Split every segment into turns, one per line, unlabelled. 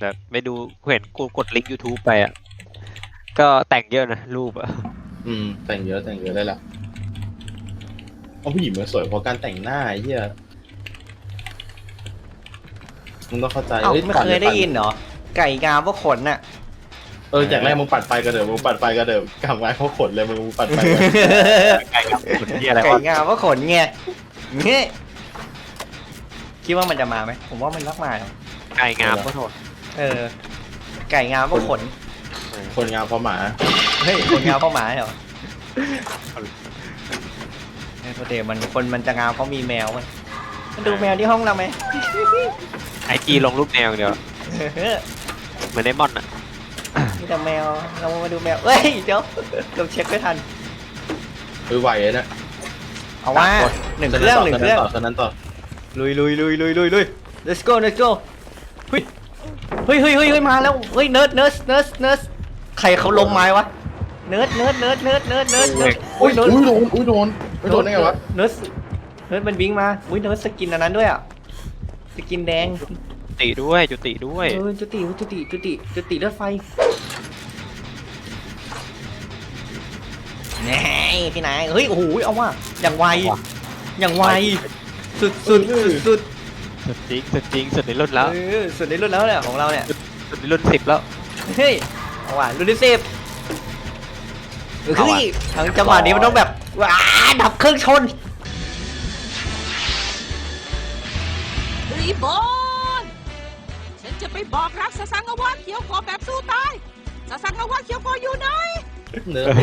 แบบไม่ดูเห็นกูกดลิงก์ YouTube ไปอ่ะก็แต่งเยอะนะรูปอ่ะ
แต่งเยอะได้ละเพราะผู้หญิงมันสวยเพราะการแต่งหน้าไอ้เหี้ยมึงต้องเข้าใจ
เอ้าไม่เคยได้ยินเหรอไก่งามเพราะขนน่ะ
จากแรกมึงปัดไปกระเดิมมึงปัดไปกระเดิมกำไว้เพราะขนเลยมึงปัดไป
ไก่กับคนที่อะไร
ไก่
วะ
งามเพราะขนไงเนี่ยคิดว่ามันจะมาไหมผมว่ามันรักมาหรอก
ไก่งามก็โทษ
ไก่งามเพราะขน
คนงามเพราะหมา
เฮ้ยขนงามเพราะหมาเหรอไอ้พอเดมันคนมันจะงามเพราะมีแมวมันมาดูแมวที่ห้องเราไหม
IG ลงรูปแนวเดียวเหมือนไดมอนด์อ่ะ
มีแต่แมวเรามาดูแมวเฮ้ยเดี๋ยวเราเช็คไม่ทัน
ไหวเลยนะ
เอาว่าหนึ่งเครื่อง
ตอนนั้นต่อ
ลุย let's goเฮ้ยมาแล้วเฮ้ยเนิร์ดใครเขาล้มไม้วะเนิร์ด
อุ้ยโดนได้ไงวะ
เนิร์ดมันวิ่งมาอุ้ยเนิร์ดสกินอันนั้นด้วยอ่ะสกินแดง
ติด้วยจุติด้วย
จุติเลือดไฟแน่พี่นายเฮ้ยโอ้โหเอาว่ะอย่างไวสุด
สุดจริงสุดในรุ่นแล้ว
สุดในรุ่นแล้วเนี่ยของเราเนี่ย
สุดในรุ่น10แล้ว
เฮ้ยเอาว่ะรุ่นที่10เฮ้ยทางจังหวะนี้มันต้องแบบว้าดับเครื่องชน
รีบอนฉันจะไปบอกรักซาซังอาวะเขียวกอแบบสู้ตายซาซังอาวะเขียวกออยู่ไหน
เนื้อ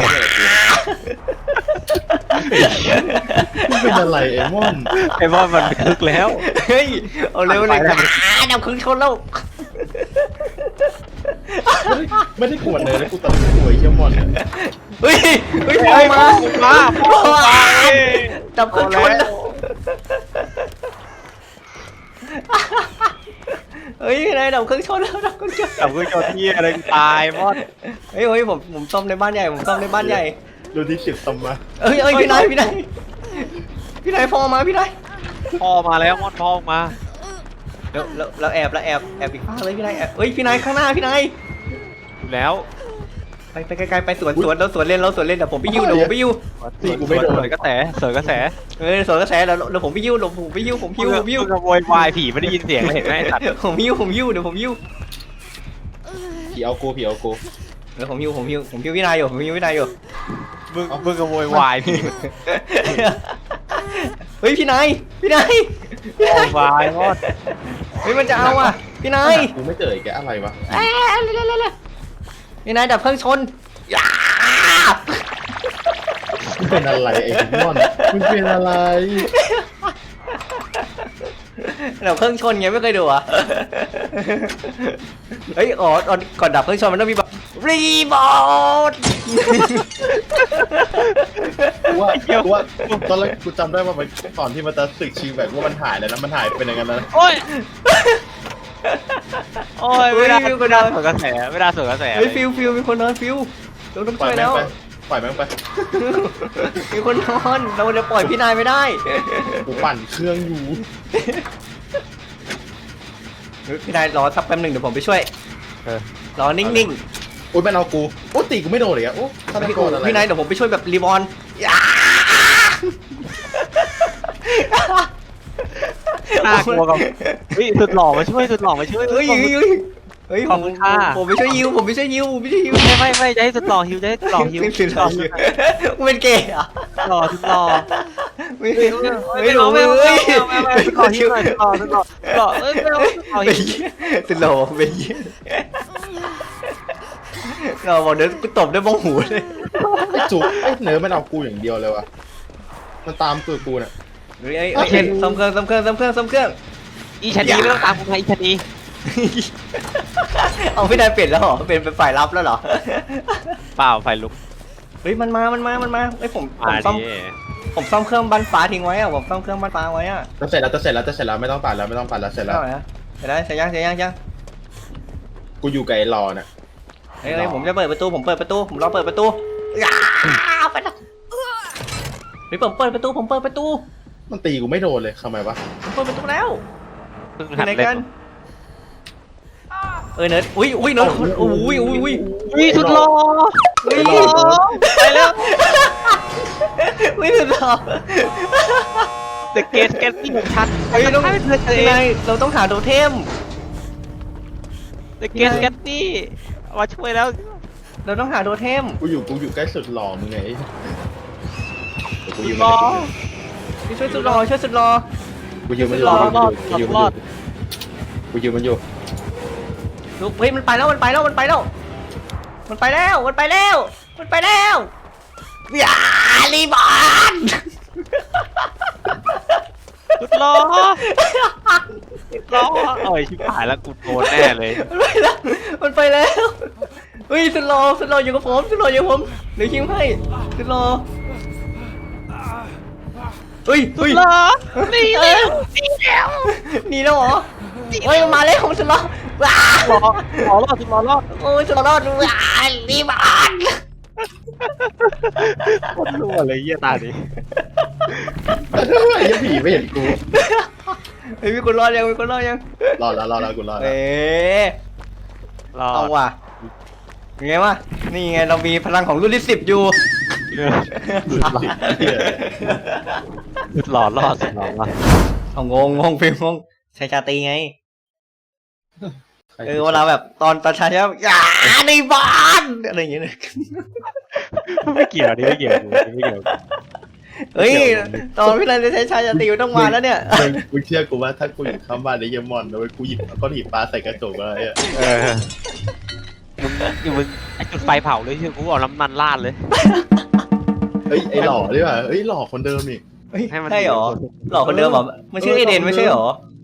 เป็นอะไรไอ้ม่อน
ไอ้บอลมันคึกแล้ว
เฮ้ยเอาเร็วเลยดับเครื่องชนแล้ว
ไม่ได้กวนเลยนะกูตัดสวยเชี่ยม่อน
เฮ้ยพอมาดับเครื่องชนแล้วเฮ้ยนายดับเครื่องชนแล้วดับเครื่องชน
แต่เพื่อนโจที่อะไรตายมอด
เฮ้ยผมซ่อมในบ้านใหญ่
ดูที่10ตำมา
เอ้ยพี่นายพอมาพี่นาย
พอมาแล้วมอดพอมา
เราแอบอีกฟ้าเลยพี่นายเฮ้ยพี่นายข้างหน้าพี่นาย
อยู่แล้ว
ไปไกลๆไปสวนเราสวนเล่นเดี๋ยวผมไปยิ้ว
ตีกูไม่โดน
สวยกระแสสวยกระแส
สวนกระแสเดี๋ยวผมไปยิ้วผมยิ้ว
มึงขโมยวายผีไม่ได้ยินเสียงเลยเห็นไหมไอ้สัตว์
ผมยิ้วเดี๋ยวผมยิ้ว
ผีเอากู
เดี๋ยวผมยิ้วพี่นายอยู่
มึงขโมยวายผี
เฮ้ยพี่นาย
วายมอด
เฮ้ยมันจะเอาอ่ะพี่นาย
กูไม่เจอแกอะไรวะ
พี่นายดับเครื่องชน
เป็นอะไรไอ้ม่อนมึงเป็นอะไร
ดับเครื่องชนไงไม่เคยดูอ่ะเฮ้ยก่อนดับเครื่องชนมันต้องมีแบบรีบอท
กูว่าตอนแรกกูจำได้ว่ามันตอนที่มันจะสึกชีแบบว่ามันหายแล้วนะมันหายเป็นอย่างนั้นนะ
โอ้ยไม่ได้สวนกระแสไม่ได้สวนกระแส
เฮ้ยฟิวมีคนนอนฟิวเราต้อง
ปล่อ
ช่
ย
วย
แม่
แล้
ง
ว
ไปปล่อยแม่งไป
มีคนนอนเราจะปล่อยพี่นายไม่ได้
กูปั่นเครื่องอยู่
พี่นายรอสักแป๊บหนึ่งเดี๋ยวผมไปช่วยรอนิ่ง
โอ๊ยมันเอากูโอ๊ยตีกูไม่โดนเลยอ่ะโอ๊ยฆาตกรอะไร
พี่นายเดี๋ยวผมไปช่วยแบบรีบอล
น่ากลัวกับเฮ้ยสุดหล่อมาช่วยเฮ้ยขอบคุณค่ะ
ผมไปช่วยยิว
ไม่จะให้สุดหล่อฮิวจะให้สุดหล่อฮิว
เป็นเกย์อ่ะ
หล่อสุดหล่อ
ไม่หนู
ไม่หล่อฮิวหน่อยสุดหล่อฮิว
สุดหล่อเป็นเหี้ยเราบอกเดี๋ยวกูตบด้วยบ้องหูเลย
ไอ้จุกไอ้เนื้อมันเอากูอย่างเดียวเลยวะมันตามตัวกูเนี่ย
ซ่อมเครื่อง
อีชนีไม่ต้องตามกูมาอีชนี
เอาพี่นายเปลี่ยนแล้วเหรอเป็นฝ่ายรับแล้วเหรอ
เปล่าไฟลุก
เฮ้ยมันมาไอ้ผม
มา
ซ่อม
ดิ
ผมซ่อมเครื่องบันฟ้าทิ้งไว้อะผมซ่อมเครื่องบันฟ้าไว้อะ
จะเสร็จแล้วไม่ต้องปั่นแล้วเสร็จแล้ว
เท่าไหร่นะเสร็จยัง
กูอยู่กับไอ้รอเนี่ย
เฮ้ยผมจะเปิดประตูผมรอเปิดประตูไปนะเฮ้ยผมเปิดประตู
มันตีกูไม่โดนเลยทำไมวะ
ผมเปิดประตูแล้ว
เพิ่ง
ไป
หัด
ไหน
เล่
กัน
น
เนิร์ดอุ้ยเนิร์ดอุ้ย
สุดหล่อ
อุ้ย
ไปแล้ว
อุ้ยสุดหล่อ
เด็กเกสเกตติ้งชัด
เฮ้ยต้อง
ให้เพื่อนเอ
ยังไง
ง
เราต้องหาโทเทม
เด็กเกสเกตตี้มาช่วยแล้ว
เราต้องหาโทเทม
กูอยู่ใกล้สุดหล่อมึงไงกูยืม
รอ
ช่วยสุดหล่อช่วยสุดหล่อ
กูยืมมันอยู่กูยืมมันอยู่
ลูกเฮ้ยมันไปแล้วอย่ารีบอน
สุดหล่อเอ้ยชิบหายแล้วกูโดนแน่เลย
มันไปแล้วเฮ้ยสุดหล่ออยู่กับผมเดี๋ยวคิวให้สุดหล่อเฮ้ย
นี่แล้ว
หนีแล้วเหรอเฮ้ยมันมาแล้วสุดหล่อว้า
หล่อรอดสุดหล่อรอด
โอ้ยสุดหล่อว้ารีบอน
คนรั่วเลยเยี่ยตาดิ
ไอ้ผีไม่เห็นกู
เฮ้ยมีคนรอดยัง
รอแล้วกูรอแล้ว
เอ๊ะ
รอ
เอาว่ะยังไงวะนี่ไงเรามีพลังของรุ่นที่10อยู่
สุดหล่อรอดสุดหล่อรอด
เอางงฟิลงชายชาตรีไงเวลาแบบตอนชายชาอย่าในบ้านอะไรอย่างเงี้ย
ไม่เกี่ยวนี่ไม่เกี่ยวไม่เกี่ยว
เฮ้ยตอนพี่นันจะใช้ชายชาตรีต้องมาแล้วเนี่ย
มึงเชื่อกูว่าถ้ากูอยู่ข้างบ้านในเยมอนนะเว้ยกูหยิบก้อนหินปลาใส่กระจกอะไรอ่ะ
มึงไอจุดไฟเผาเลยชื่อกูเอาน้ำมันราดเลย
เฮ้ยไอ้หล่อดีกว่าเฮ้ยหล่อคนเดิมนี่
ให้มัน
ใช่หรอหล่อคนเดิมเหรอมันชื่อเอเดนไม่ใช่หรอ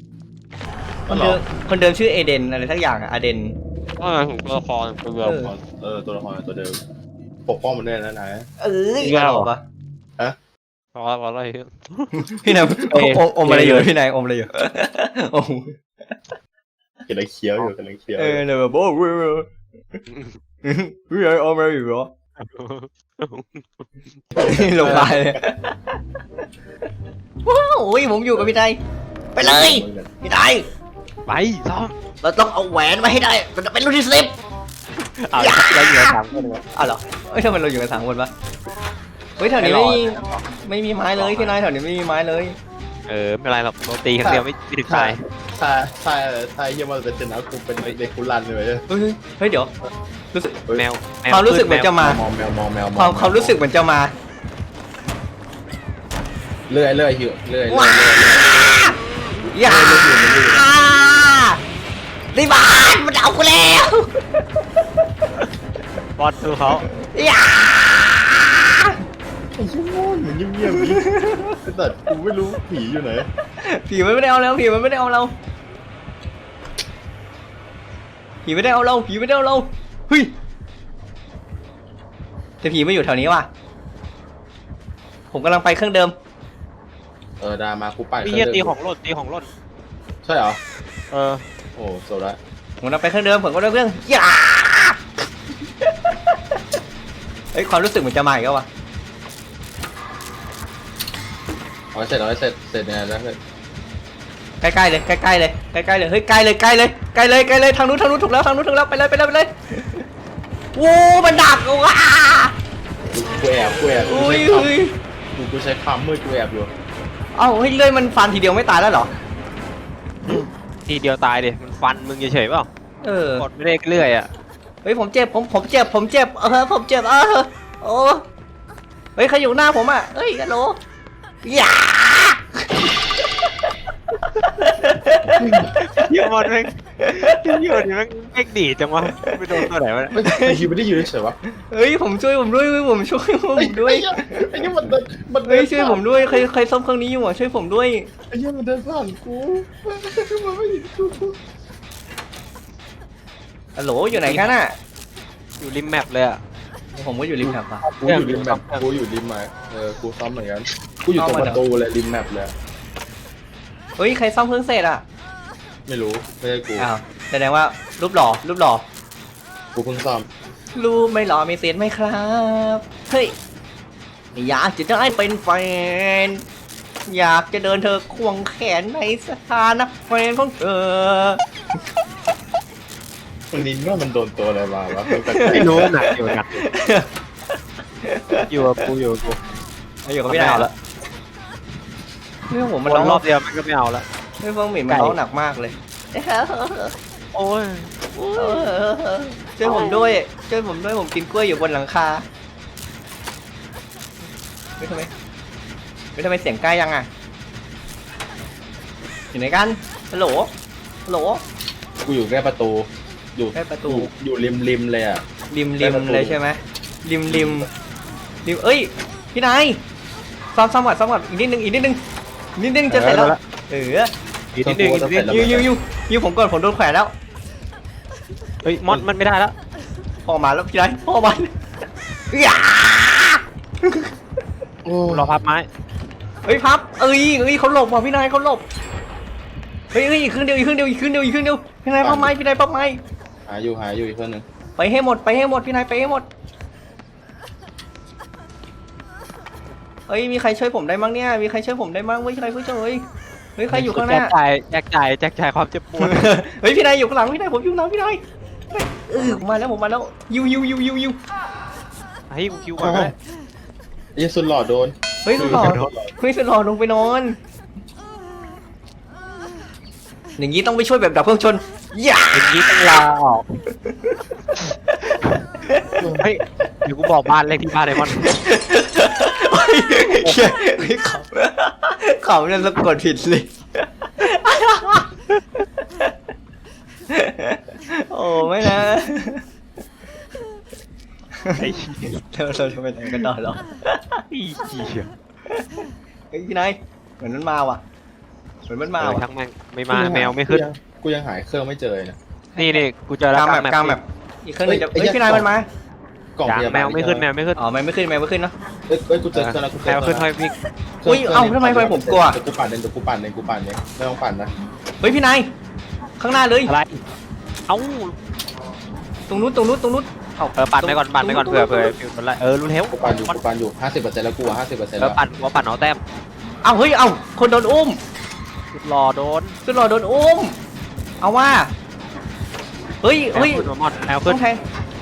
คนเดิมชื่อเอเดนอะไรทักอย่างอะอเดน
ก็ถึงตัวละครตัวเดียว
ตัวละครตัวเดิมปกป้องมันด้วยนะนาย
หล่อปะ
พออะไร
พี่นายอมอะไรอยู่พี่นายอมอะไรอยู่อม
กำลังเคี้ยวอยู่กำลังเคี้ยว
เนี่ยแบบโอ้พี่นายอมอะไรอยู่เหรอลงไปเลยว้าวโอ้ยผมอยู่กับพี่นายไปเลยพี่นาย
ไปซ้อม
เราต้องเอาแหวนมาให้ได้มันจะเป็นรุ่นที่10
เราอยู่สามคนเลย
อ้าวเหรอเอ้ยทำไมเราอยู่กัน3คนวะเฮ้ยแถวนี้ไม่มีไม้เลยพี่นายแถวนี้ไม่มีไม้เลย
ไม่เป็นไรหรอกโดนตีครั้งเดียวไม่ถึงตาย
ถ้าเยี่ยมมันเป็นชนะกูเป็นเด็กกุลันเลย
เฮ้ยเดี๋ยวรู้สึก
แมว
ความรู้สึกเหมือนจะมา
มองแมว
ความรู้สึกเหมือนจะมา
เลื่อยหิวเลื่อย
อย่ารีบานมันเอากูแล้ว
บอลคือเขา
อย่า
ไอ้ชั่วโมงเหมือนเงียบๆนี่แต่กูไม่รู้ผีอยู่ไหน
ผีมันไม่ได้เอาเราผีมันไม่ได้เอาเราผีไม่ได้เอาเราผีไม่ได้เอาเราเฮ้ยแต่ผีไม่อยู่แถวนี้ว่ะผมกำลังไปเครื่องเดิม
ดามากูไป
พี่เยี่ยตีของหล่นตีของหล่น
ใช่เหรอ
โ
โอ้โซดา
ผมกำลังไปเครื่องเดิมผมก็เริ่มเครื่องอย่าเฮ้ยความรู้สึกเหมือนจะมาอีกแล้ววะ
เอาเสร็จเนี่ยแล้วเสร็จ
ใกล้ๆเลยใกล้ๆเลยเฮ้ยใกล้เลยทางนู้นถูกแล้วไปเลยโอ้มันดักว่ะ
กูแอบ
อุ้ย
กูใช้ความมืดกูแอบอยู่
เอ้าเฮ้ยเลื่อยมันฟันทีเดียวไม่ตายแล้วเหรอ
ทีเดียวตายดิมันฟันมึงเฉยๆเปล่าก
ด
ไม่ได้เรื่อยอ่ะ
เฮ้ยผมเจ็บผมเจ็บผมเจ็บโอ้เฮ้ยใครอยู่หน้าผมอ่ะเฮ้ยฮัลโหลอย่า
เยี่ยมมันแม่งเยี่ยมนี่แม่งดีจังวะไม่โดนตัวไหนวะ
ไอ้คิวไม่ได้ยืนเฉยวะ
เฮ้ยผมช่วยผมด้วยผมช่วยผมด้วย
ไอ้เหี้ยมัน
เฮ้ยช่วยผมด้วยใครซ่อมเครื่องนี้อยู่อ่ะช่วยผมด้วย
ไอ้เหี้ยมันเดินผ่านกูมันไม่เห็นกู
ฮัลโหลอยู่ไหนกันอ่ะ
อยู่ริมแมปเลยอ่ะ
ผมก็อยู่ริมแถบอ่ะ
กูอยู่ริมแบบกูอยู่ริมมากูซ้อมเหมือนกันกูอยู่ตรงประตูเลยริมแมปเลย
เฮ้ยใครซ่อมเครื่องเสร็จอ่ะ
ไม่รู้ไม่ใช่กู
อ้าวแสดงว่ารูปหล่อ
กูเพิ่งซ้อม
รูปไม่หล่อมีเศษไหมครับเฮ้ยอยากจะได้เป็นแฟนอยากจะเดินเธอควงแขนในสถานะแฟนของเธอ
วันนี้ว่ามันโดนตัวอะไรมาวะ
ไม่รู้หนักอยู่อยู่กับกู
ไม่อยู่กับพี่นายแล้วเรื่องผม
มั
มัน น
ร้
ร้
อ
อง ง
รอบเดียวมันก็ไม่เอาละ
เรื่องเฟิงหมิ่นมันร้องหนักมากเลย
โอ้ย
ช่วยผมด้วยผมกินกล้วยอยู่บนหลังคาไม่ทำไมเสียงใกล้ยังอ่ะอยู่ไหนกันฮัลโหล
กูอยู่ใกล้ประตูอยู่
ใกล้ประตู
อยู่ริมเลยอ่ะ
ริมเลยใช่ไหมริมเอ้ยพี่นายซ้อมก่อนอีกนิดนึงจะเสร็จแล้ว
อีกนิดนึง
ยิวผมก่อนผมโดนแขวนแล้ว
เฮ้ยมอดมันไม่ได้แล้ว
พ่อมาแล้วพี่นายพ่อมา
รอพับไม้
เฮ้ยพับเขาหลบว่ะพี่นายเขาหลบเฮ้ยอีกครึ่งเดียวพี่นายพับไม้
หาอยู่อีกคนนึง
ไปให้หมดพี่นายไปให้หมดเฮ้ยมีใครช่วยผมได้มั้งเนี่ยมีใครช่วยผมได้มั้งเฮ้ยใครช่วยเฮ้ยใครอยู่ข้างหน้า
แจกจ่ายความเจ็บปวด
เฮ้ยพี่นายอยู่ข้างหลังพี่นายผมอยู่หลังพี่นายผมมาแล้วยิว
ให้กูคิวก่อนเลย
ยี่สุดหล่อโดน
เฮ้ยสุดหล่อลงไปนอนอย่างนี้ต้องไปช่วยแบบดับเครื่องชน
อย่างนี้ต้องลาออกเฮ้ยเดี๋ยวกูบอกบ้านเลขที่บ้านไดมอนด์
ขำเนี่ยสะกดผิดเลยโอ้ไม่นะเราจะไปไหนกันต่อหรอพี่นายเหมือนมันมาว่ะ
ทั้งแม่งไม่มาแมวไม่ขึ้น
กูยังหายเครื่องไม่เจอนะ
นี่กูเจอแล้ว
กลางแบบอีกเครื่องนึงจะพี่นายมันมาก
ล่อง
แมวไม่ขึ้น
อ๋อแมวไม่ขึ้นเนาะ
กูเจอแล้วกูเจอ
แมวขึ้นพี่
อุ้ยเอ้าทำไมผมกลัว
กูปั่นเนี่ยไม่ต้องปั่นนะ
เฮ้ยพี่นายข้างหน้าเลย
อะไรเอ้า
ตรงนู้น
ปั่นไปก่อนเผื่อฟิวมันไรรู้แล้ว
กูปั่นอยู่ 50% แล้วกู50%
แล้วปั่นเอาแต้ม
เอ้าเฮ้ยคนโดนอุ้ม
สุดหล่อโดน
อุ้มเอาว่าเฮ้ย
มอดแมวขึ้น
แทง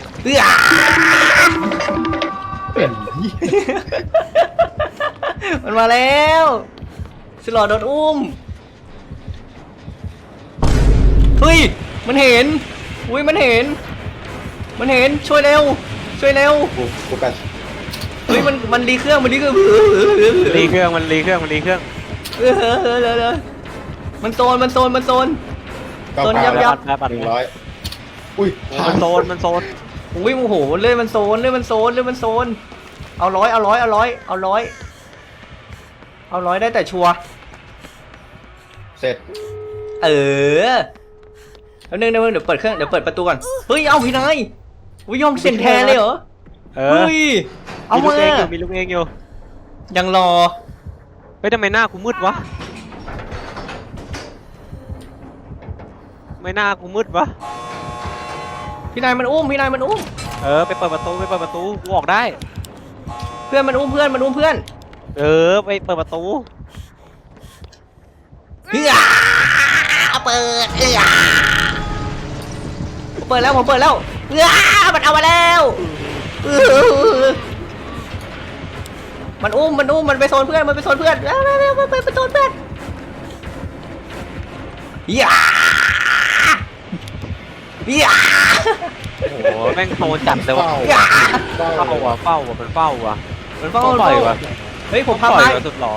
มันมาแล้วสุดหล่อโดนอุ้มเฮ้ยมันเห็นช่วยเร็ว
กูกัด
เฮ้ยมันรีเครื่องมันโซนยับ
อุ้ย
มันโซน
อุ้ยโอ้โหเลื่อยมันโซนเอาร้อยได้แต่ชัว
เสร็จ
แล้วนึงเดี๋ยวเปิดเครื่องเดี๋ยวเปิดประตูก่อนเฮ้ยเอาพี่นายวิยอมเสียงแทนเลยเหรอเฮ้ยเอามา
มีลูกเองอยู่
ยังรอ
เฮ้ยทำไมหน้ากูมืดวะ
พี่นายมันอุ้ม
ไปเปิดประตูกูออกได้
เพื่อนมันอุ้มเพื่อนไปเปิด
ประตู
เปิดแล้วผมเปิดแล้วมันเอามาแล้วมันอุ้มมันไปโซนเพื่อนไปโซนเพื่อน
โอ้โหแม่งโซนจัดเลยว่ะเฝ้าว่ะมันเฝ้าว่ะ
เฮ้ยผมพับไม้
สุดหล่อ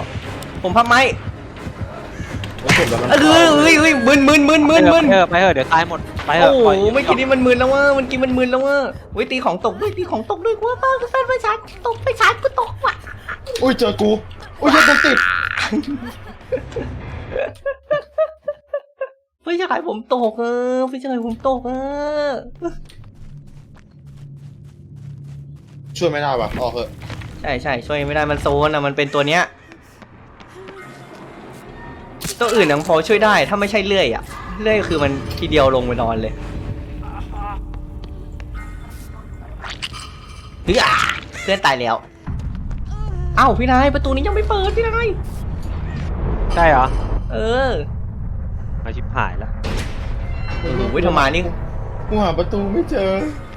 มึน
ไปเถอะเดี๋ยวตายหมดไปเถอะ
โอ้ไม่คิดนี่มันมึนแล้วเว้ยตีของตกด้วยกูว่าป้ากูแฟนไปชาร์จกูตกว่ะ
อุ้ยเจอกูเจอกูติด
เฮ้ยจะขายผมตก
ช่วยไม่ได้ป่ะออกเถอะ
ใช่ช่วยไม่ได้มันโซนอ่ะมันเป็นตัวเนี้ยตัวอื่นยังพอช่วยได้ถ้าไม่ใช่เลื่อยคือมันทีเดียวลงไปนอนเลยเพื่อนตายแล้วเอ้าพี่นายประตูนี้ยังไม่เปิดพี่นาย
ใช่เหรอ
มา
ชิบหายแล้ว
โอ้โหทำไมนี่
กูหาประตูไม่เจอ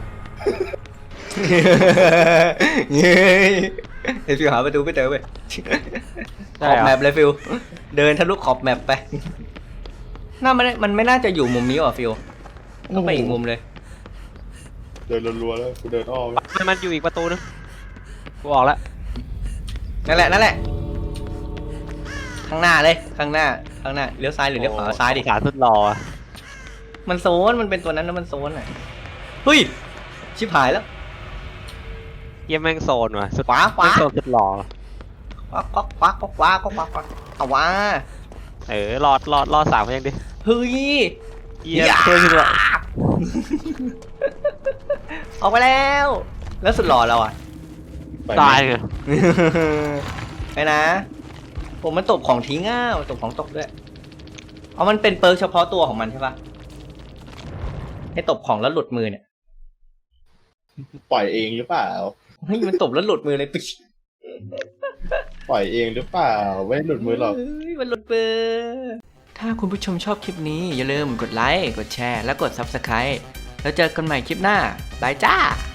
เฮ้ยเดี๋ยวฟิวหาประตูไม่เจอเว้ยข
ใช่
อบ
เหรอ
แมปเลยฟิวเดินทะลุขอบแมปไปมันไม่น่าจะอยู่มุมนี้หรอฟิวต้องไปอีกมุมเลย
เดินรัวๆแล้วกูเดินอ้อม
มันอยู่อีกประตูนึงกูออกแล้ว
นั่นแหละข้างหน้าเลยข้างหน้าเลี้ยวซ้ายหรือเลี้ยวขวาซ้ายดิ
ขาสุดหล่ออะ
มันโซนมันเป็นตัวนั้นนะมันโซนอ่ะเฮ้ยชิบหายแล้ว
เยี่ยมแม่งโซนว่ะสุด
ขวา
แม่งโซนสุดหล่อ
เอาวะ
รอด3เขายังดิ
เฮ้ย
เยี่ยมช่วยสุดหล่อ
ออกไปแล้วสุดหล่อเราอ่ะ
ไป
ตายเลย
ไปนะผมมันตบของทิ้งอ่ะตบของตกด้วยเอามันเป็นเปิร์กเฉพาะตัวของมันใช่ปะให้ตบของแล้วหลุดมือเนี่ย
ปล่อยเองหรือเปล่า
เฮ้ยมันตบแล้วหลุดมือเลยปิ๊ช
ปล่อยเองหรือเปล่าไม่ได้หลุดมือหรอก
เฮ้ยมันหลุดมือถ้าคุณผู้ชมชอบคลิปนี้อย่าลืมกดไลค์กดแชร์และกด Subscribe แล้วเจอกันใหม่คลิปหน้าบายจ้า